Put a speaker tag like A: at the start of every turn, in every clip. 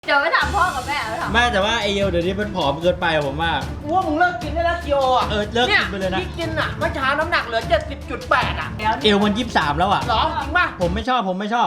A: เดี๋ยวไปถามพ่อกับแม่ถาม
B: ไม่แต่ว่าไอเยลเดี๋ยวนี้มันผอมเกินไปผมว่า
C: ว่ามึงเลิกกินได้แล้วคิโออ่ะ
B: เลิกกินไปเลยนะ
C: ที่กินอ่ะเมื่อเช้าน้ำหนักเหลือ 70.8 อ่ะ
B: เอวมัน23แล้วอ่ะ
C: หรอจริงป่ะ
B: ผมไม่ชอบ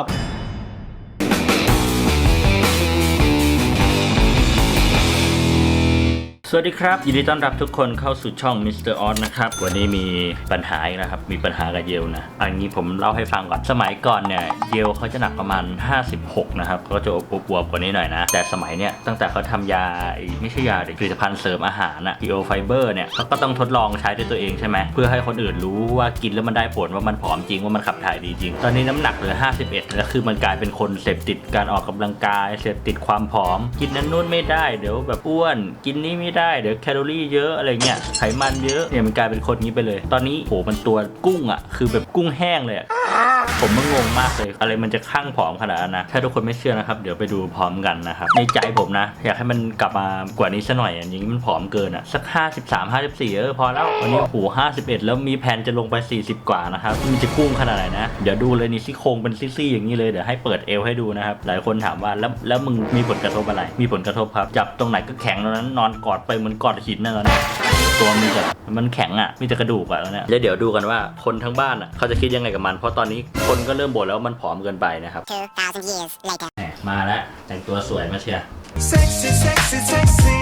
B: สวัสดีครับยินดีต้อนรับทุกคนเข้าสู่ช่อง Mr. Oz นะครับวันนี้มีปัญหาอีกนะครับมีปัญหากับเยลนะอันนี้ผมเล่าให้ฟังก่อนสมัยก่อนเนี่ยเยลเขาจะหนักประมาณ56นะครับเขาจะอวบๆกว่านี้หน่อยนะแต่สมัยเนี่ยตั้งแต่เขาทำยาไม่ใช่ยาผลิตภัณฑ์เสริมอาหารอะPio Fiberเนี่ยเขาก็ต้องทดลองใช้ด้วยตัวเองใช่ไหมเพื่อให้คนอื่นรู้ว่ากินแล้วมันได้ผลว่ามันผอมจริงว่ามันขับถ่ายดีจริงตอนนี้น้ำหนักเหลือ51แล้วคือมันกลายเป็นคนเสพติดการออกกำลังกายเสพติดความผอมกินนั้นนู่นไม่ได้เดี๋ยวแบบอ้วนกินนี้ไม่ได้เดี๋ยวแคลอรี่เยอะอะไรเงี้ยไขมันเยอะเนี่ยมันกลายเป็นคนนี้ไปเลยตอนนี้โหมันตัวกุ้งอ่ะคือแบบกุ้งแห้งเลยผมมันงงมากเลยอะไรมันจะข้างผอมขนาดนั้นนะถ้าทุกคนไม่เชื่อนะครับเดี๋ยวไปดูพร้อมกันนะครับในใจผมนะอยากให้มันกลับมากว่านี้ซะหน่อยอย่างนี้มันผอมเกินอ่ะสัก53-54พอแล้ววันนี้โห51แล้วมีแผนจะลงไป40กว่านะครับมันจะกุ้งขนาดไหนนะเดี๋ยวดูเลยนี่ซี่โครงเป็นซี่ๆอย่างนี้เลยเดี๋ยวให้เปิดเอวให้ดูนะครับหลายคนถามว่าแล้วมึงมีผลกระทบอะไรมีผลกระทบครับจับตรงไหนก็แข็งตรงนั้นนอนกอดไปเหมือนกอดหินนั่นแหละตัวมันแข็งอ่ะมีแต่กระดูกอ่ะแล้วเนี่ยแล้วเดี๋ยวดูกันว่าคนทั้งบ้านอ่ะเขาจะคิดยังไงกับมันเพราะตอนนี้คนก็เริ่มบ่นแล้วมันผอมเกินไปนะครับ
D: 2,000 years later
B: มาแล้วแต่งตัวสวยมาเชียร์
E: Sexy, sexy, sexy,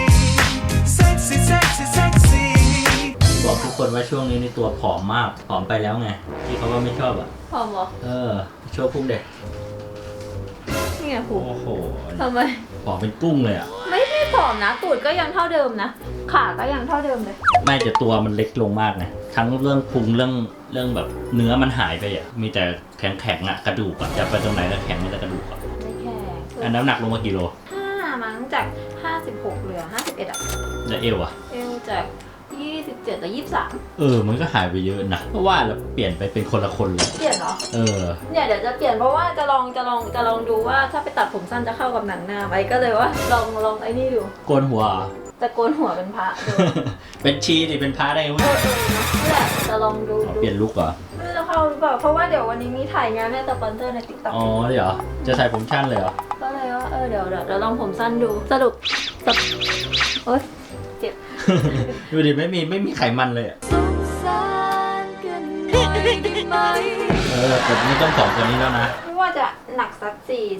E: sexy, sexy, sexy.
B: บอกทุกคนว่าช่วงนี้นี่ตัวผอมมากผอมไปแล้วไงที่เขาว่าไม่ชอบอ่ะ
A: พ่อบอก
B: โชว์พุ่งเด็ก
A: นี่ไงผู
B: โอ้โห
A: ทำไม
B: ผอมเป็นกุ้งเลยอ่ะ
A: ไม่ได้ผอมนะตูดก็ยังเท่าเดิมนะขาก็ยังเท่าเดิมเลย
B: ไม่แต่ตัวมันเล็กลงมากนะทั้งเรื่องพุงเรื่องแบบเนื้อมันหายไปอ่ะมีแต่แข็งอ่ะกระดูกอ่ะจะไปตรงไหนก็แข็งมีแต่กระดูกอ่ะ
A: ไม่แข็ง
B: อันน้ำหนักลงมากี่โล
A: 5มั้งจาก56เหลือ51อ่ะ
B: แล้วเอวอ่ะ
A: เอวจาก27แต่23
B: มันก็หายไปเยอะนะเพราะว่าเราเปลี่ยนไปเป็นคนละคนเลย
A: เปลี่ยนเหรอ เนี่ยเดี๋ยวจะเปลี่ยนเพราะว่าจะลองดูว่าถ้าไปตัดผมสั้นจะเข้ากับหนังหน้าไหมก็เลยว่าลองไอ้นี่ดู
B: โกนหัว
A: จะโกนหัวเป็นพระดู
B: เป็นชีดิเป็นพระได้ไหม
A: นี่แหละจะลองดู
B: เปลี่ยนลุคเหรอ
A: ไม่รู้จะเข้าหรือเปล่าเพราะว่าเดี๋ยววันนี้มีถ่ายงานแม่สปอนเซอร์ใน TikTok
B: อ๋อเดี๋ยวจะใส่ผมชั้นเลยเหรอ
A: ก็เลยว่าเดี๋ยวลองผมสั้นดูสรุปโอ๊ยเจ็บ
B: ดูดิไม่มีไขมันเลยอ่ะ
A: สงสารกันหน่อยได้ไหม
B: แต่ไม่ต้องผอมกว่านี้แล้วนะ
A: ไม่ว่าจะหนักสัก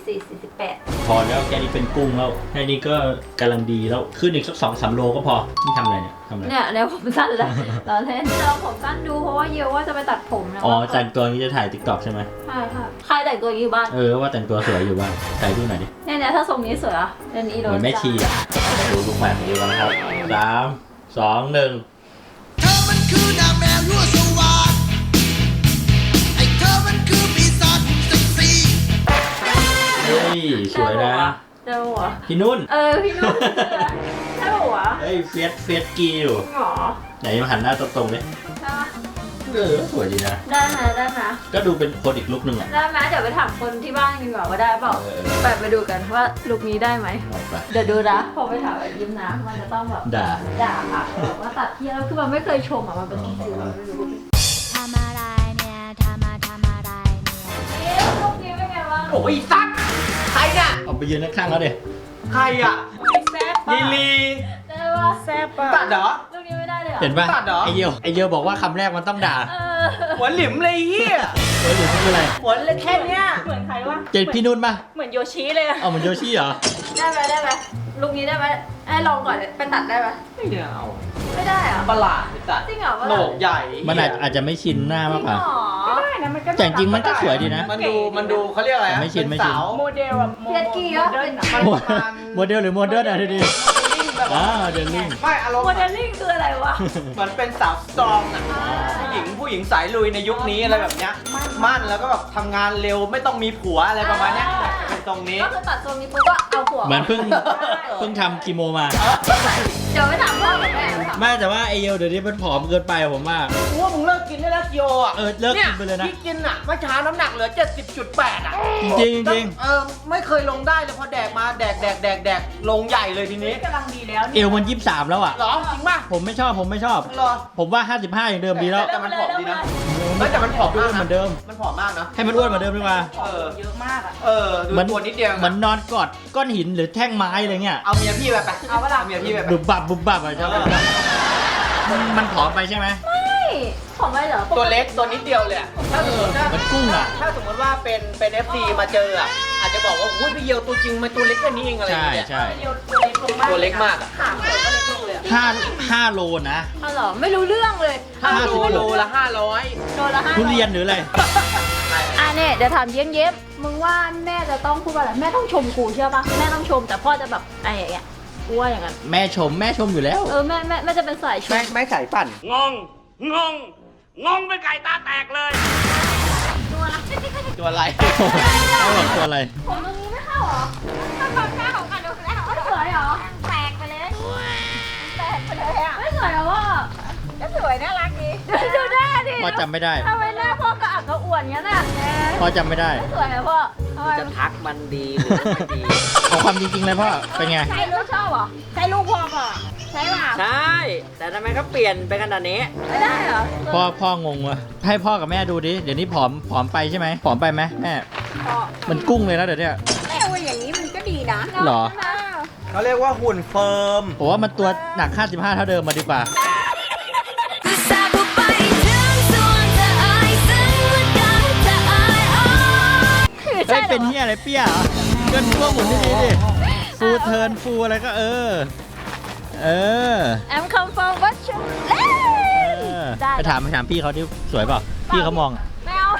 A: 48
B: พอแล้วแค่นี้เป็นกุ้งแล้วแค่นี้ก็กำลังดีแล้วขึ้นอีกสัก2-3 โลก็พอนี่ทำอะไรเนี่ยทำอะไร
A: เนี่ยเดี๋ยวผมสั้นแล้วเราเล่นจะลองผมสั้นดูเพราะว่าเยอะว่าจะไปตัดผมนะ
B: แต่งตัวนี้จะถ่าย TikTok ใช่ไหม
A: ใช่ค่ะใครแต่งตัวอยู่บ้าน
B: ว่าแต่งตัวสวยอยู่บ้างถ่ายดูหน่อยดิ
A: เนี่ยถ้าทรงนี้สวยอ่ะเดี๋ยวนี้
B: เหมือนแม่ชีอ่ะดูลูกแบบนี้กันนะครับ3 2 1
E: เธอมันคือนางแมวยั่วสวาทไอ้เธอมันคือปีศาจเซ็กซี่
B: เฮ้ยสวยนะ
A: เดี๋ยวหัว
B: พี่นุ่น
A: พี่นุ่นใช่หัว
B: เฮ้ยเฟียสกีอยู่
A: หรอ
B: ไหนมาหันหน้าตรงๆเลย
A: ใช่ปะ
B: สวยดีนะ
A: ได้ไหม
B: ก็ดูเป็นคนอีกลุคนึงอ่ะ
A: ได้ไหมเดี๋ยวไปถามคนที่บ้านดีกว่าว่าได้เปล่าไปดูกันว่าลุคนี้ได้ไหม
B: เอาไป
A: เดี๋ยวดูนะพอไปถามยิ้มนะมันจะต้องแบบ
B: ด่า
A: ค่ะแบบว่าตัดเที่ยวคือมันไม่เคยชมอ่ะมันเป็นสิ่งที่เราไม่รู้
D: ทำอะไรเนี่ยทำอะไรเนี่ย
A: ลุคนี้เป็นไงบ้าง
C: โอ้ยซักใครเนี่ย
B: เอาไปยืนข้างๆแล้วเด็
C: ใครอ่ะ
A: แซ่บ
C: ลิลี
A: ได้ปะแซ่บปะ
C: ตัดเหรอ
A: ลุคนี้ไม่ได้เลยเหรอ
B: เห็นป่ะ
C: ตัดเหรอ
B: ไอเยลบอกว่าคำแรกมันต้องด่า
C: หัวหลิมเลยเฮีย
B: หรือคืออะไร
C: หัวเลยแค่เนี้ย
F: เหมือนใครวะ
B: เจนพี่นุ่นป่ะ
F: เหมือนโยชิเลยอะ
B: เอาเหมือนโยชิเหรอ
A: ได้ไหมลุคนี้ได้ไหมให้ลองก่อนไปตัดได้ไหม
C: ไม่เอา
A: ไม่ได้เหรอ
C: ประหลาดตัด
A: จริงเหรอ
C: โหนกใหญ่
B: มันอาจจะไม่ชินหน้ามากกว่า
F: ไม่ได้นะมันก็
B: แต่จริงๆมันก็สวยดีนะ
C: มันดูเขาเรียกอะไรอะ
B: ไม่ชิน
C: เป็นสาว
F: โมเดลอะ
A: เพียกี้ก็เป็น
C: มันประมาณ
B: โมเดลหรือโมเดิร์นอะทีนี้
C: แบบว่า
B: เดลลิง
C: ไม่อารมณ์
A: โมเดลลิ่งคืออะไรวะ
C: เหมือนเป็นสาวสตรองอะผู้หญิงสายลุยในยุคนี้อะไรแบบเนี้ยมั่นแล้วก็แบบทำงานเร็วไม่ต้องมีผัวอะไรประมาณเนี้ยจะเป็นตรงนี้
A: ก็คือตัดทรงนี้ปุ๊บก็เอาหัว
B: เหมือนเพิ่งทำคีโมมา
A: เดี๋ยวไปถามพ่อกับแม่ถาม
B: ไม่แต่ว่าไอเยลเดี๋ยวนี้มันผอมเกินไปผมว่า
C: ว่ามึงเลิกกินได้แล้วคิโออ่ะ
B: เลิกกินไปเลยนะ
C: ที่กินอ่ะเมื่อเช้าน้ำหนักเหลือ 70.8 อ่ะ
B: จริงจริง
C: ไม่เคยลงได้เลยพอแดกมาแดกลงใหญ่เลยทีนี้
F: กำลังดีแล้ว
B: เอวมัน23แล้วอ่ะ
C: หรอจริงป่ะ
B: ผมไม่ชอบ
C: หรอ
B: ผมว่า55อย่างเดิมดีแล้ว
C: แต่มันผอมดีนะ
B: น
C: ฮ้ยแต่มันผอม
B: ดู
C: มาก
B: เหมื
C: นะ
B: อนเดิม
C: มันผอมมากนะ
B: ให้มันอ้วนเหมือนเดิมดีกว่า
C: เยอะมากอ่ะดูตัวนิดเดียว
B: เหมือนนอนกอดก้อนหินหรือแท่งไม้อะไรเงี้ย
C: เอาเมียพี่ไปเอาเวลาเมียพี่ไป
B: บุบบับบุบบับอะชอบมันผอมไปใช่ไหม
A: ไม่ของไม่เหรอ
C: ตัวเล็กตัวนิดเดียวเลยอะถ้าสมมติ
B: มันกุ้งอะ
C: ถ้าสมมติว่าเป็น FC มาเจออ่ะอาจจะบอกว่าอุ้ยพี่เยียวตัวจริงมันตัวเล็กแค่นี้เองอะไรอ
B: ใช่
C: ย่างเงี้ย
B: ใช่
C: ตัวเล็กมากอะ
B: ห้าโลนะ
A: อ๋อเหรอไม่รู้เรื่องเลย
C: โลละ
A: โลละ500
B: ทุเรียนหรืออะไร
A: อ่ะเนี่ยเดี๋ยวถามเย้มๆมึงว่าแม่จะต้องพูดว่าอะไรแม่ต้องชมกูเชื่อปะแม่ต้องชมแต่พ่อจะแบบไอ้อย่างเงี้ยกูว่าอย่างนั้น
B: แม่ชมอยู่แล้ว
A: แม่จะเป็นสายชม
C: ไม่ใส่ปั่น
B: งงเป็นไก่ตาแตกเลย
C: ตัวอะไร
B: เอาหรอตัวอะไร
A: ผมตรงนี้ไม่เข้าเหรอถ้าความกล้าของกันดูแล้วไม่สวยเหรอแตกไปเลยแตกไปเลยอ่ะไม่สวยเหรอพ่อก็สวยน่ารักดีดูหน้าดิ
B: พ่อจำไม่ได้
A: ทำไมหน้าพ่อกระอักกระอ่วนงั้นอ่ะ
B: พ่อจำไม่ได้
A: ไม่สวยเหรอพ่อทำไม
C: จะทักมันดีหรือไม่ดี
B: เอาความจริงๆเลยพ่อ เป็นไง
A: ใช่ลูกชอบเหรอใช่ลูกพ่อก่อนใช่ป่ะ
C: ใช่ แต่ทำไมเขาเปลี่ยนไปขนาดนี้
A: ไม่ได้เหรอ
B: พ่องงวะให้พ่อกับแม่ดูดิ เดี๋ยวนี้ผอมไปใช่ไหมผอมไปไหมแม่ มันกุ้งเลยนะเดี๋ยวเนี้ย
F: แม่ว่าอย่างนี้มันก็ดีนะ
B: หรอ
C: เขาเรียกว่าหุ่นเฟิร์ม
B: ผมว่ามันตัวหนัก 55 เท่าเดิมมาดีกว่า
D: อุตส่าห์บุกไปถึงส่วนเธออายซึ่งมันได้จะอายอ้อน
B: เฮ้ย เป็นเฮียอะไรเปี้ยเหรอเกินตัวหมุนดีๆดิ ฟูเทิร์นฟูอะไรก็เออ
A: แอมคัมฟอร์วัชชูเล่นได้
B: ไปถามพี่เขาที่สวยเปล่า พี่เขามอง
A: ไม่เอา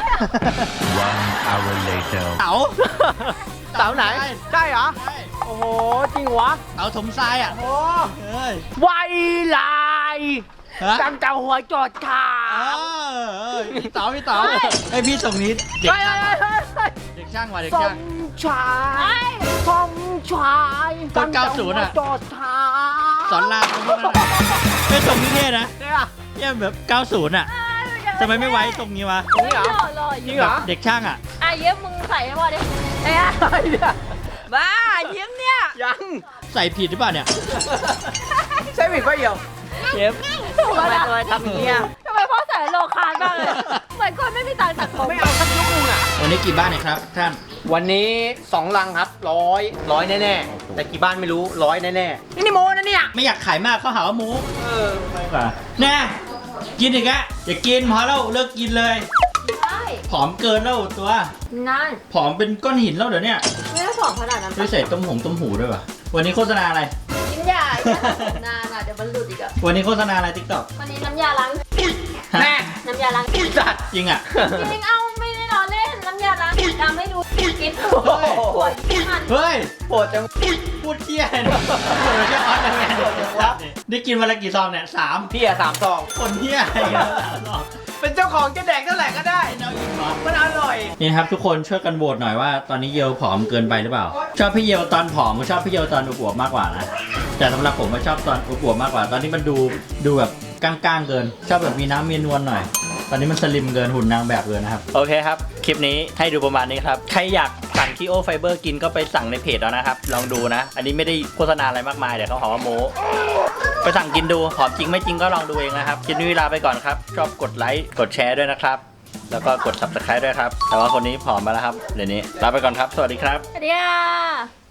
B: เต๋า
C: เสาไหน ใช่เหรอ โอ้โห จริงวะ
B: เต๋าถมทรายอ่ะ
C: โอ้
B: เอ้ย
C: ไวลาย
B: ฮะ
C: จังเจ้าหัวจอดขา
B: พี่เต๋าไอยพี่ส่งนี้เด็กช่างว่ะเด็กช่างว่ะเด็กช่าง
C: ชายทองชาย
B: ตอน90อะ
C: จอดขา
B: สอนรามพวกนั้นอะไม่ส่งนี้เท่นะ
C: เนี่ย
B: เนี่ยแบบ 90 อ่ะทำไมไม่ไว้ตรงนี้วะ
C: จริงเหรอ จริงเหรอ
B: เด็กช่างอ่ะ
A: อ่ะเยิ้มมึงใส่ให้พ่อดิไอ้อะ
C: อะไรเนี่ย
A: บ้าเยิ้มเนี่ย
C: ยัง
B: ใส่ผิดหรือเปล่าเนี่ย
C: ใช่ผิดปะเหี่ยวเย็บ
A: ถูกแล้วนะ
C: ทำอย่างเงี้ย
A: ทำไมพ่อใส่โลคาร์ดบ้างเลยเหมือนคนไม่มีตังค์ตัดผม
C: ไม่เอาสักยุคนึงอ่ะ
B: วันนี้กี่บ้านเนี่ยครับท่าน
C: วันนี้2 ลังครับร้อยแน่ๆ แต่กี่บ้านไม่รู้100แน่ๆ นี่โมนะเนี่ย
B: ไม่อยากขายมากเขาหาว่าหมู
C: เออ
B: ไม่กว่าแน่กินอีกอะอย่ากินพอแล้วเลิกกินเลย
A: ใช่
B: ผอมเกินแล้วตัว
A: นั่น
B: ผอมเป็นก้อนหินแล้วเดี๋ยวเนี้ย
A: ไม่ได้สองขนาดนั้น
B: ด้วยใส่ต้มหูด้วยวะวันนี้โฆษณาอะไร
A: กินยาอย่าสระผมนานอ่ะเดี๋ยวมันหลุดอีกอ่ะ
B: วันนี้โฆษณาอะไรติ๊กต็อก
A: วันนี้น้ำยาล้าง
C: แม่
A: น้ำยาล้าง
C: จัด
B: จริงอะ
A: จริงเอาไม่ได้ล้อเล่นน้ำยาล้างทำให้ดูกิน
C: โอ้โห
A: ปวดหัน
B: เฮ้ย
C: โปรดจัง
B: พูดเที่ยเลยนะพูดแค่ออสยังไงได้กินวันละกี่ซองเนี่ย3
C: พี่อะ3 ซอง
B: คนเที่ยอะไรกัน3ซอง
C: เป็นเจ้าของจะแดกเท่าไหร่ก็ได้
B: เอาอีกเหรอ
C: มันอร่อย
B: นี่นะครับทุกคนช่วยกันโหวตหน่อยว่าตอนนี้เยลผอมเกินไปหรือเปล่า ชอบพี่เยลตอนผอมก็ชอบพี่เยลตอนอวบๆมากกว่านะแต่สำหรับผมก็ชอบตอนอวบๆมากกว่า ตอนนี้มันดูแบบก้างๆเกิน ชอบแบบมีน้ำมีนวลหน่อย ตอนนี้มันสลิมเกินหุ่นนางแบบเกินนะครับโอเคครับคลิปนี้ให้ดูประมาณนี้ครับใครอยากสั่งคีโอไฟเบอร์กินก็ไปสั่งในเพจแล้วนะครับลองดูนะ อันนี้ไม่ได้โฆษณาอะไรมากมายเดี๋ยวเขาหาว่าโม้ไปสั่งกินดูผอมจริงไม่จริงก็ลองดูเองนะครับคลิปนี้เวลาไปก่อนครับชอบกดไลค์กดแชร์ด้วยนะครับแล้วก็กด subscribe ด้วยครับแต่ว่าคนนี้ผอมมาแล้วครับเดี๋ยวนี้ลาไปก่อนครับสวัสดีครับ
A: สวัสดีค่ะ